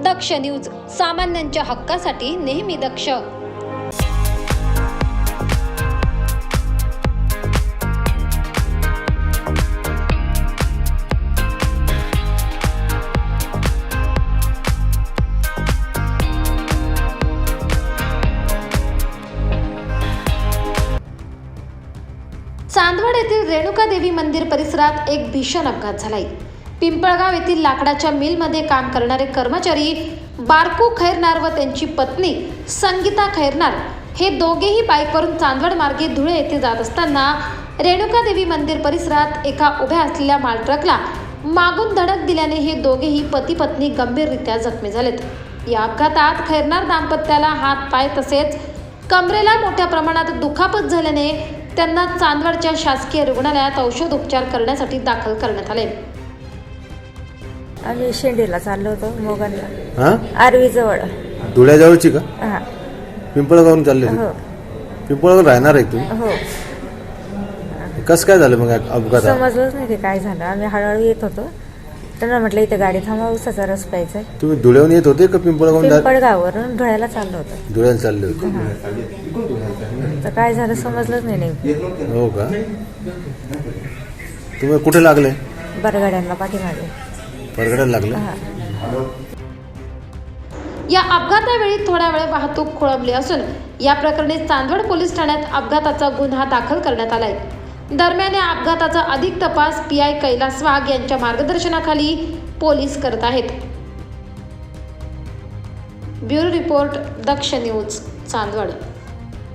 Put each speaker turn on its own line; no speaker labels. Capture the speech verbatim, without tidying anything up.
दक्ष news, सामान्यांच्या हक्कासाठी नेहमी दक्ष. चांदवड येथील रेणुका देवी मंदिर परिसरात एक भीषण अपघात झालाय. पिंपळगाव येथील लाकडाच्या मिलमध्ये काम करणारे कर्मचारी बारकू खैरनार व त्यांची पत्नी संगीता खैरनार हे दोघेही बाईकवरून चांदवड मार्गे धुळे येथे जात असताना रेणुका देवी मंदिर परिसरात एका उभ्या असलेल्या माल ट्रकला मागून धडक दिल्याने हे दोघेही पती पत्नी गंभीररित्या जखमी झालेत. या अपघातात खैरनार दाम्पत्याला हात पाय तसेच कमरेला मोठ्या प्रमाणात दुखापत झाल्याने त्यांना चांदवडच्या शासकीय रुग्णालयात औषध उपचार करण्यासाठी दाखल करण्यात आले.
आम्ही शेंडीला चाललो होतो मोगनला.
हां
आरवी जवळ.
धुळ्याजवळची का?
हां.
पिंपळगावून चालले होते?
हो
पिंपळगाव राहणार आहे तुम्ही?
हो.
कसं काय झालं मग अपघात?
समजलंच नाही की काय झालं. आम्ही हळूहळू येत होतो. त्यांना म्हटलं इथे गाडी थांबवा, उसाचा रस प्यायचा.
तुम्ही धुळ्याहून येत होते का पिंपळगावून?
पिंपळगाववरून धुळ्याला चाललो होतो.
धुळ्याला चालले होते.
तर काय झालं समजलंच नाही नेमकं.
हो का? तुम्ही कुठे लागले?
बरगाड्यांना पाठीमागे.
परगड्याला लागले?
हां.
या अपघातावेळी थोड्या वेळ वाहतूक खोळंबली असून या प्रकरणी चांदवड पोलीस ठाण्यात अपघाताचा गुन्हा दाखल करण्यात आलाय. दरम्यान या अपघाताचा अधिक तपास पी आय कैलास वाघ यांच्या मार्गदर्शनाखाली पोलीस करत आहेत. Bureau report, Daksh news, Chandwad.